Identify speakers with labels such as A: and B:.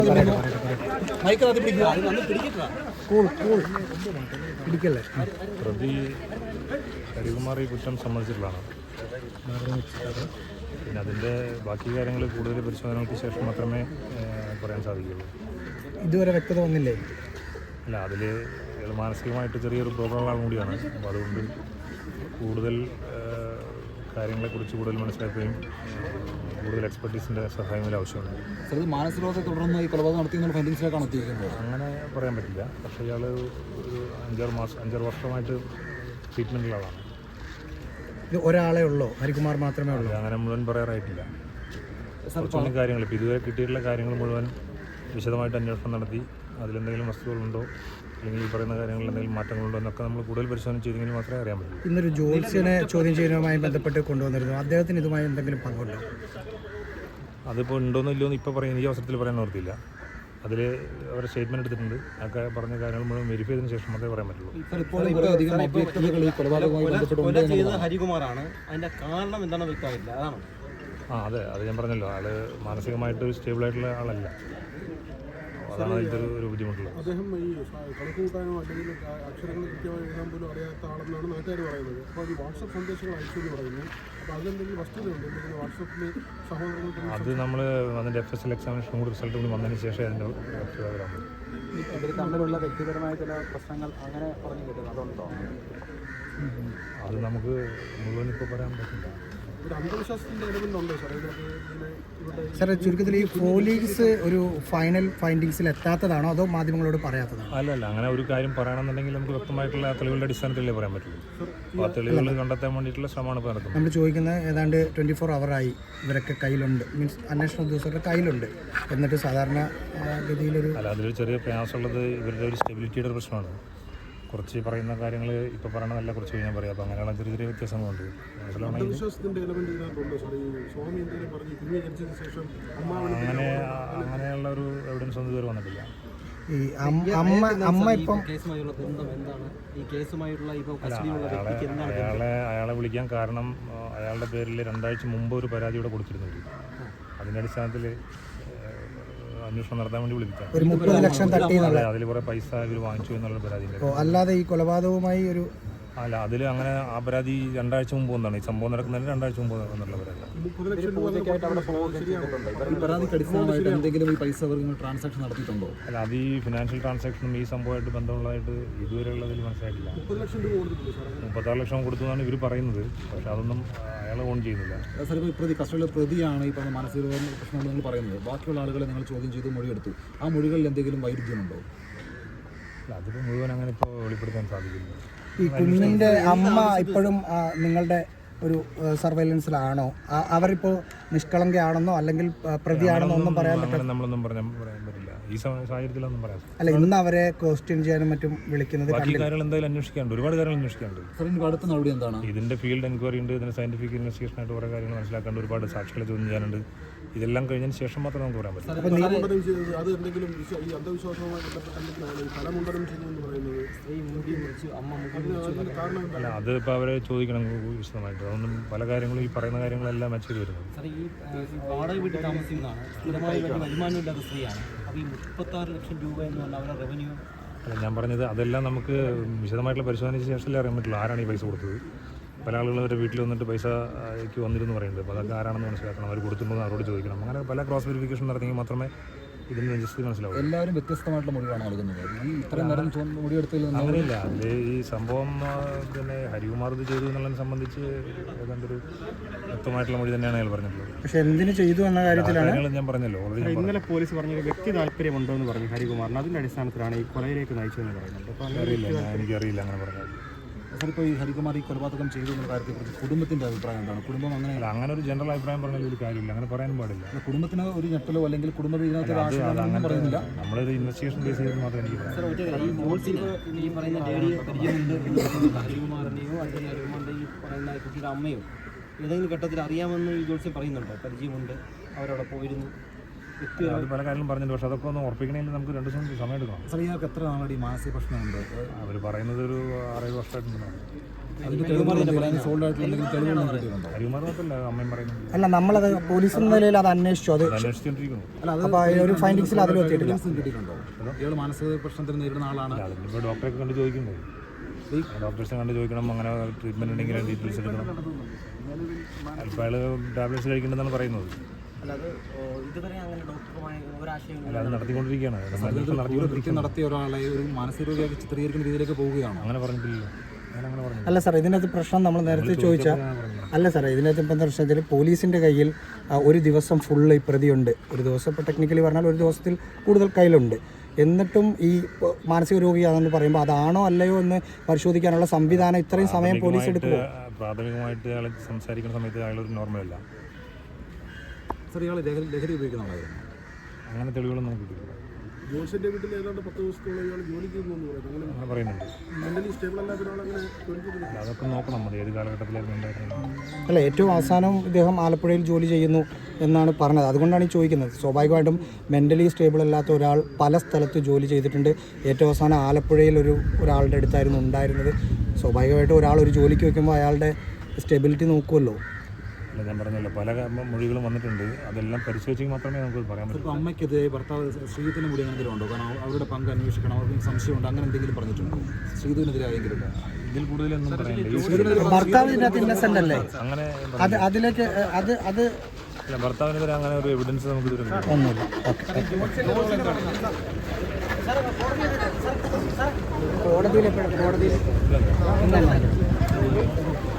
A: പ്രതി ഹരികുമാർ ഈ കുറ്റം സമ്മതിച്ചിട്ടുള്ളതാണ്. പിന്നെ അതിൻ്റെ ബാക്കി കാര്യങ്ങൾ കൂടുതൽ പരിശോധനകൾക്ക് ശേഷം മാത്രമേ പറയാൻ സാധിക്കുകയുള്ളൂ.
B: ഇതുവരെ വ്യക്തത വന്നില്ലേ?
A: അല്ല, അതിൽ മാനസികമായിട്ട് ചെറിയൊരു പ്രോബ്ലം കൂടിയാണ്. അപ്പോൾ അതുകൊണ്ട് കൂടുതൽ കാര്യങ്ങളെക്കുറിച്ച് കൂടുതൽ മനസ്സിലാക്കുകയും കൂടുതൽ എക്സ്പെർട്ടീസിൻ്റെ സഹായം ആവശ്യമുണ്ട്.
B: മാനസികരോഗത്തെ തുടർന്ന് ഈ കൊലപാതകം നടത്തിയെന്നുള്ള ഫൈൻഡിങ്സിലേക്കാണ് എത്തിയിരിക്കുന്നത്.
A: അങ്ങനെ പറയാൻ പറ്റില്ല. പക്ഷേ ഇയാൾ ഒരു 5-6 വർഷമായിട്ട് ട്രീറ്റ്മെൻറ്റിലാണ്.
B: ഇത് ഒരാളെ ഉള്ളൂ, ഹരികുമാർ മാത്രമേ ഉള്ളൂ?
A: അങ്ങനെ മുഴുവൻ പറയാറായിട്ടില്ല. കുറച്ചൊന്നും കാര്യങ്ങൾ ഇപ്പോൾ ഇതുവരെ കിട്ടിയിട്ടുള്ള കാര്യങ്ങൾ മുഴുവൻ വിശദമായിട്ട് അന്വേഷണം നടത്തി അതിലെന്തെങ്കിലും വസ്തുതകളുണ്ടോ അല്ലെങ്കിൽ ഈ പറയുന്ന കാര്യങ്ങളിൽ എന്തെങ്കിലും മാറ്റങ്ങളുണ്ടോ എന്നൊക്കെ നമ്മൾ കൂടുതൽ പരിശോധന ചെയ്തെങ്കിൽ മാത്രമേ അറിയാൻ പറ്റൂ.
B: ഇന്നൊരു ജോത്സ്യനെ ചോദ്യം ചെയ്യുന്നതുമായി ബന്ധപ്പെട്ട് കൊണ്ടുവന്നിരുന്നു. അദ്ദേഹത്തിന് ഇതുമായി എന്തെങ്കിലും പങ്കുണ്ടോ?
A: അതിപ്പോൾ ഉണ്ടോയെന്നോ ഇല്ലയോ എന്ന് ഇപ്പോൾ പറയാൻ ഈ അവസരത്തിൽ പറയാൻ ഓർത്തില്ല. അതിൽ അവരുടെ സ്റ്റേറ്റ്മെൻറ്റ് എടുത്തിട്ടുണ്ട്. ഒക്കെ പറഞ്ഞ കാര്യങ്ങൾ മുഴുവൻ വെരിഫൈ ചെയ്തതിന് ശേഷം മാത്രമേ പറയാൻ പറ്റുള്ളൂ.
C: ഹരികുമാറാണ്, അതിൻ്റെ കാരണം എന്താണെന്ന് വ്യക്തമായില്ല. അതാണ്
A: അതെ, അത് ഞാൻ പറഞ്ഞല്ലോ, ആള് മാനസികമായിട്ട് സ്റ്റേബിളായിട്ടുള്ള ആളല്ല. അതാണ് അതിൻ്റെ ഒരു ബുദ്ധിമുട്ടുള്ളത്.
D: അദ്ദേഹം ഈ കണക്ക് കൂട്ടാനോ അല്ലെങ്കിൽ അക്ഷരങ്ങൾ കൃത്യമായി എഴുതാൻ പോലും അറിയാത്ത ആളെന്നാണ് നാട്ടുകാർ പറയുന്നത്. അപ്പോൾ ഈ വാട്സപ്പ് സന്ദേശങ്ങൾ അയച്ചു എന്ന് പറയുന്നു. അപ്പോൾ അതിലെന്തെങ്കിലും വസ്തുതയുണ്ട്? എന്തെങ്കിലും വാട്സപ്പിൽ സഹോദരങ്ങൾക്ക്
A: അത് നമ്മൾ അതിൻ്റെ FSL എക്സാമിനേഷൻ കൂടി റിസൾട്ട് കൂടി വന്നതിന് ശേഷം അതിൻ്റെ
B: ഇവർ തമ്മിലുള്ള വ്യക്തിപരമായ ചില പ്രശ്നങ്ങൾ അങ്ങനെ പറഞ്ഞു കിട്ടുന്നത് അതുണ്ടോ?
A: അത് നമുക്ക് മുഴുവൻ ഇപ്പോൾ പറയാൻ പറ്റില്ല.
B: സാറേ, ചുരുക്കത്തിൽ ഈ പോലീസ് ഒരു ഫൈനൽ ഫൈൻഡിങ്സിൽ എത്താത്തതാണോ അതോ മാധ്യമങ്ങളോട് പറയാത്തതാണോ?
A: അല്ലല്ല, അങ്ങനെ ഒരു കാര്യം പറയണമെന്നുണ്ടെങ്കിൽ നമുക്ക് വ്യക്തമായിട്ടുള്ള തെളിവുകളുടെ അടിസ്ഥാനത്തിലേ പറയാൻ പറ്റുള്ളൂ. അപ്പോൾ ആ തെളിവുകൾ കണ്ടെത്താൻ വേണ്ടിയിട്ടുള്ള ശ്രമമാണ് ഇപ്പോൾ നടക്കുന്നത്.
B: നമ്മൾ ചോദിക്കുന്നത് ഏതാണ്ട് 24 ഹവറായി ഇവരൊക്കെ കയ്യിലുണ്ട്, മീൻസ് അന്വേഷണ ഉദ്യോഗസ്ഥരുടെ കയ്യിലുണ്ട്, എന്നിട്ട് സാധാരണ ഗതിയിലൊരു
A: അതിലൊരു ചെറിയ പ്രയാസമുള്ളത് ഇവരുടെ ഒരു സ്റ്റെബിലിറ്റിയുടെ പ്രശ്നമാണ്. കുറച്ച് പറയുന്ന കാര്യങ്ങൾ ഇപ്പോൾ പറയണതല്ല, കുറച്ച് കഴിഞ്ഞാൽ പറയാം. അപ്പോൾ അങ്ങനെയുള്ള ചെറിയ ചെറിയ വ്യത്യാസങ്ങളുണ്ട്. അങ്ങനെയുള്ള ഒരു എവിഡൻസ് ഒന്നും ഇതുവരെ വന്നിട്ടില്ല.
B: ഈ അമ്മ ഇപ്പം
A: അയാളെ വിളിക്കാൻ കാരണം അയാളുടെ പേരിൽ 2 ആഴ്ച മുമ്പ് ഒരു പരാതി ഇവിടെ കൊടുത്തിരുന്നുണ്ട്. അതിൻ്റെ അടിസ്ഥാനത്തിൽ അന്വേഷണം നടത്താൻ വേണ്ടി വിളിപ്പിക്കാം.
B: ഒരു 30 ലക്ഷം തട്ടി
A: അതിൽ കുറെ പൈസ ഇവർ വാങ്ങിച്ചു എന്നുള്ള പരാതി.
B: അല്ലാതെ ഈ കൊലപാതകവുമായി ഒരു
A: അല്ല, അതിൽ അങ്ങനെ ആ പരാതി 2 ആഴ്ച മുമ്പ് വന്നാണ്. ഈ സംഭവം നടക്കുന്നതിന് 2 ആഴ്ച മുമ്പ് എന്നുള്ള പരാതി. അല്ല, അത് ഈ ഫിനാൻഷ്യൽ ട്രാൻസാക്ഷനും ഈ സംഭവമായിട്ട് ബന്ധമുള്ളതായിട്ട് ഇതുവരെ ഉള്ളതിൽ മനസ്സിലായിട്ടില്ല. 36 ലക്ഷം കൊടുത്തു എന്നാണ് ഇവർ പറയുന്നത്. പക്ഷെ അതൊന്നും അയാൾ ഓൺ ചെയ്യുന്നില്ല.
B: പ്രതിയാണ് ഈ പറഞ്ഞ മാനസിക പ്രശ്നങ്ങൾ നിങ്ങൾ പറയുന്നത്. ബാക്കിയുള്ള ആളുകളെ നിങ്ങൾ ചോദ്യം ചെയ്ത് മൊഴിയെടുത്തു. ആ മൊഴികളിൽ എന്തെങ്കിലും വൈരുദ്ധ്യമുണ്ടോ?
A: അതിപ്പോൾ മുഴുവൻ അങ്ങനെ ഇപ്പോൾ വെളിപ്പെടുത്താൻ സാധിക്കില്ല.
B: ഈ കുഞ്ഞിൻ്റെ അമ്മ ഇപ്പോഴും നിങ്ങളുടെ ഒരു സർവൈലൻസിലാണോ? അവരിപ്പോൾ നിഷ്കളങ്കയാണെന്നോ അല്ലെങ്കിൽ പ്രതിയാണെന്നോ ഒന്നും പറയാൻ പറ്റില്ല.
A: നമ്മളൊന്നും പറയാൻ പറ്റില്ല ഈ സാഹചര്യത്തിലൊന്നും പറയാം.
B: അല്ല, ഇന്ന് അവരെ ക്വസ്റ്റ്യൻ ചെയ്യാനും മറ്റും വിളിക്കുന്നത്
A: ബാക്കി കാര്യങ്ങൾ എന്തായാലും അന്വേഷിക്കാനുണ്ട്, ഒരുപാട് കാര്യങ്ങൾ അന്വേഷിക്കാനുണ്ട്.
B: അടുത്ത നടപടി എന്താണ്?
A: ഇതിൻ്റെ ഫീൽഡ് എൻക്വയറി ഉണ്ട്, ഇതിന് സയന്റിഫിക് ഇൻവെസ്റ്റിഗേഷൻ ആയിട്ട് കുറേ കാര്യങ്ങൾ മനസ്സിലാക്കാണ്ട്, ഒരുപാട് സാക്ഷികളെ ചോദ്യം ചെയ്യാനുണ്ട്. ഇതെല്ലാം കഴിഞ്ഞതിന് ശേഷം മാത്രമേ നമുക്ക് പറയാൻ പറ്റൂ. അല്ല, അത് ഇപ്പോൾ അവരെ ചോദിക്കണം വിശദമായിട്ട്. അതൊന്നും പല കാര്യങ്ങളും ഈ പറയുന്ന കാര്യങ്ങളെല്ലാം മാച്ച് ചെയ്ത് വരുന്നത്.
C: വാടക വീട്ടിൽ താമസിക്കുന്നതാണ്, സ്ഥിരമായി വരുമാനമില്ലാത്ത സ്ത്രീയാണ്. അപ്പോൾ ഈ 36 ലക്ഷം രൂപ എന്ന് പറഞ്ഞാൽ അവരുടെ റവന്യൂ.
A: അല്ല, ഞാൻ പറഞ്ഞത് അതെല്ലാം നമുക്ക് വിശദമായിട്ടുള്ള പരിശോധനയ്ക്ക് ശേഷമല്ലേ അറിയാൻ പറ്റുള്ളൂ ആരാണ് ഈ പൈസ കൊടുത്തത്. പല ആളുകൾ അവരുടെ വീട്ടിൽ വന്നിട്ട് പൈസയ്ക്ക് വന്നിരുന്നു പറയുന്നുണ്ട്. അപ്പോൾ അതൊക്കെ ആരാണെന്ന് മനസ്സിലാക്കണം, അവർ കൊടുത്തുമ്പോൾ അവരോട് ചോദിക്കണം. അങ്ങനെ പല ക്രോസ് വെരിഫിക്കേഷൻ നടത്തിയെങ്കിൽ മാത്രമേ ഇതിന് ജസ്റ്റ് മനസ്സിലാവും.
B: എല്ലാവരും വ്യത്യസ്തമായിട്ടുള്ള മൊഴിയാണ് നൽകുന്നത്. ഈ ഇത്രയും നേരം മൊഴിയെടുത്തതിൽ
A: അങ്ങനെയില്ല. അതിൽ ഈ സംഭവം പിന്നെ ഹരികുമാർ ഇത് ചെയ്തു എന്നുള്ളതിനെ സംബന്ധിച്ച് ഏതാണ്ടൊരു വ്യക്തമായിട്ടുള്ള മൊഴി തന്നെയാണ് അയാൾ പറഞ്ഞിട്ടുള്ളത്.
B: പക്ഷേ എന്തിനു ചെയ്തു എന്ന കാര്യത്തിലാണ്
A: ഞാൻ പറഞ്ഞല്ലോ.
C: ഇന്നലെ പോലീസ് പറഞ്ഞൊരു വ്യക്തി താല്പര്യമുണ്ടോ എന്ന് പറഞ്ഞു ഹരികുമാറിന്. അതിൻ്റെ അടിസ്ഥാനത്തിലാണ് ഈ കൊലയിലേക്ക് നയിച്ചതെന്ന് പറയുന്നത്. അപ്പോൾ
A: എനിക്കറിയില്ല അങ്ങനെ പറഞ്ഞത്.
B: ഇപ്പോൾ ഈ ഹരികുമാർ ഈ കൊലപാതകം ചെയ്തു എന്ന കാര്യത്തെക്കുറിച്ച് കുടുംബത്തിൻ്റെ അഭിപ്രായം എന്താണ്? കുടുംബം
A: അങ്ങനെ ഒരു ജനറൽ അഭിപ്രായം പറഞ്ഞാൽ ഒരു കാര്യമില്ല, അങ്ങനെ പറയാനും പാടില്ല.
B: കുടുംബത്തിന് ഒരു ഞെട്ടലോ അല്ലെങ്കിൽ കുടുംബത്തിൽ ഇതിനകത്ത് പറയുന്നില്ല.
A: നമ്മളൊരു ഇൻവെസ്റ്റിഗേഷൻ ബേസ് ചെയ്ത് മാത്രമേ എനിക്ക് പറയാം.
C: ഈ പറയുന്ന ലേഡിയെ പരിചയമുണ്ട് ഹരികുമാറിൻ്റെയോ അല്ലെങ്കിൽ ഹരികുമാറിൻ്റെ ഈ പറയുന്ന കുട്ടിയുടെ അമ്മയോ ഏതെങ്കിലും ഘട്ടത്തിൽ അറിയാമെന്ന് ഈ ജോത്സ്യം പറയുന്നുണ്ടോ? പരിചയമുണ്ട്, അവരവിടെ പോയിരുന്നു.
A: അത് പല കാര്യങ്ങളും പറഞ്ഞിട്ടുണ്ട്. പക്ഷെ അതൊക്കെ ഒന്ന് ഉറപ്പിക്കണമെങ്കിൽ നമുക്ക് 2 ദിവസം സമയം എടുക്കണം.
E: സാർ ഇയാൾക്ക് എത്ര നാളാണ് ഈ മാനസിക പ്രശ്നമുണ്ട്?
A: അവർ പറയുന്നത് ഒരു 6-7 വർഷമായിട്ടുണ്ടെന്നാണ്.
E: അതിൻ്റെ തെളിവുകൾ സോൾഡ് ആയിട്ടുള്ള എന്തെങ്കിലും തെളിവുകൾ കിട്ടിയിട്ടുണ്ടോ?
A: അരിമാർ മാത്രമല്ല അമ്മയും പറയുന്നത്.
B: അല്ല, നമ്മളത് പോലീസ് എന്ന നിലയിൽ അത് അന്വേഷിച്ചു. അത്
A: അന്വേഷിച്ചുകൊണ്ടിരിക്കുന്നു.
E: അല്ല, അത്
B: അപ്പോൾ ഒരു ഫൈൻഡിങ്സിൽ അതിൽ എത്തിയിട്ടില്ല.
E: കിട്ടിയിട്ടുണ്ടോ? ഇയാൾ മാനസിക പ്രശ്നത്തിന് നേരിടുന്ന ആളാണ്.
A: അതിനിപ്പോൾ ഡോക്ടറെ കണ്ട് ചോദിക്കണ്ടേ? ഡോക്ടേഴ്സിനെ കണ്ട് ചോദിക്കണം. അങ്ങനെ ട്രീറ്റ്മെൻറ്റ് ഉണ്ടെങ്കിൽ ഡീറ്റെയിൽസ് എടുക്കണം. ചിലപ്പോൾ അയാൾ ടാബ്ലറ്റ്സ് കഴിക്കേണ്ടതെന്നാണ് പറയുന്നത്.
C: അല്ലാതെ ഇതുവരെ അങ്ങനെ ഡോക്ടറുമായി ഒരാശയം
A: അല്ല, അത് നടത്തിക്കൊണ്ടിരിക്കുകയാണ്.
E: കൃത്യം നടത്തിയ ഒരാളെ ഒരു മാനസിക രോഗിയാക്കി ചിത്രീകരിക്കുന്ന രീതിയിലേക്ക് പോവുകയാണോ?
A: അങ്ങനെ പറഞ്ഞിട്ടില്ല. ഞാനങ്ങനെ പറഞ്ഞു.
B: അല്ല സാർ, ഇതിനകത്ത് പ്രശ്നം നമ്മൾ നേരത്തെ ചോദിച്ചാൽ അല്ല സാറേ, ഇതിനകത്ത് ഇപ്പം എന്താ പ്രശ്നം വെച്ചാൽ പോലീസിൻ്റെ കയ്യിൽ ഒരു ദിവസം ഫുള്ള് ഈ പ്രതിയുണ്ട്. ഒരു ദിവസം ഇപ്പോൾ ടെക്നിക്കലി പറഞ്ഞാൽ ഒരു ദിവസത്തിൽ കൂടുതൽ കയ്യിലുണ്ട്. എന്നിട്ടും ഈ മാനസിക രോഗിയാണെന്ന് പറയുമ്പോൾ അതാണോ അല്ലയോ എന്ന് പരിശോധിക്കാനുള്ള സംവിധാനം ഇത്രയും സമയം പോലീസ് എടുക്കുമോ?
A: പ്രാഥമികമായിട്ട് അയാൾ സംസാരിക്കുന്ന സമയത്ത് അയാളൊരു നോർമലല്ല.
E: സാർ ഇയാൾ ലഹരി ഉപയോഗിക്കുന്നതായിരുന്നു.
A: അങ്ങനെ തെളിവുകളൊന്നും നമുക്ക് കിട്ടില്ല.
D: ജോൺസിന്റെ വീട്ടിൽ ഏതാണ്ട് 10 ദിവസത്തോളം ഇയാൾ ജോലിക്ക് പോകുന്നു പറയുന്നത്.
A: അങ്ങനെ പറയുന്നുണ്ട്.
D: മെന്റലി സ്റ്റേബിൾ അല്ലാത്ത ഒരാളങ്ങനെ ജോലിക്ക് പോകുന്നില്ല.
A: അതൊക്കെ നോക്കണം. അത് ഏത് കാലഘട്ടത്തിലായിരുന്നു ഉണ്ടായിരുന്നത്.
B: അല്ല, ഏറ്റവും അവസാനം ഇദ്ദേഹം ആലപ്പുഴയിൽ ജോലി ചെയ്യുന്നു എന്നാണ് പറഞ്ഞത്. അതുകൊണ്ടാണ് ഈ ചോദിക്കുന്നത്. സ്വാഭാവികമായിട്ടും മെൻ്റലി സ്റ്റേബിൾ അല്ലാത്ത ഒരാൾ പല സ്ഥലത്ത് ജോലി ചെയ്തിട്ടുണ്ട്. ഏറ്റവും അവസാനം ആലപ്പുഴയിൽ ഒരാളുടെ അടുത്തായിരുന്നു ഉണ്ടായിരുന്നത്. സ്വാഭാവികമായിട്ടും ഒരാൾ ഒരു ജോലിക്ക് വയ്ക്കുമ്പോൾ അയാളുടെ സ്റ്റെബിലിറ്റി നോക്കുമല്ലോ.
A: അല്ല, ഞാൻ പറഞ്ഞല്ലോ, പല മൊഴികളും വന്നിട്ടുണ്ട്. അതെല്ലാം പരിശോധിച്ചെങ്കിൽ മാത്രമേ നമുക്ക് പറയാൻ പറ്റൂ.
E: ഇപ്പോൾ അമ്മയ്ക്കെതിരെ ഭർത്താവ് ശ്രീധുവിന് കൂടി എന്തെങ്കിലും ഉണ്ടോ? കാരണം അവരുടെ പങ്ക് അന്വേഷിക്കണം, അവർക്ക് സംശയമുണ്ട്, അങ്ങനെ എന്തെങ്കിലും പറഞ്ഞിട്ടുണ്ടോ? ശ്രീധുവിനെതിരെ ആയെങ്കിലും
A: ഇതിൽ കൂടുതലൊന്നും പറയാനില്ല.
B: ഭർത്താവ് ഇതിനകത്ത് ഇന്നസെൻ്റ് അല്ലേ?
A: അങ്ങനെ
B: അതിലേക്ക് അത്
A: അല്ല, ഭർത്താവിനെതിരെ അങ്ങനെ ഒരു എവിഡൻസ് നമുക്ക് ഇതുവരെ
B: ഒന്നുമില്ല. ഓക്കെ, കോടതിയിൽ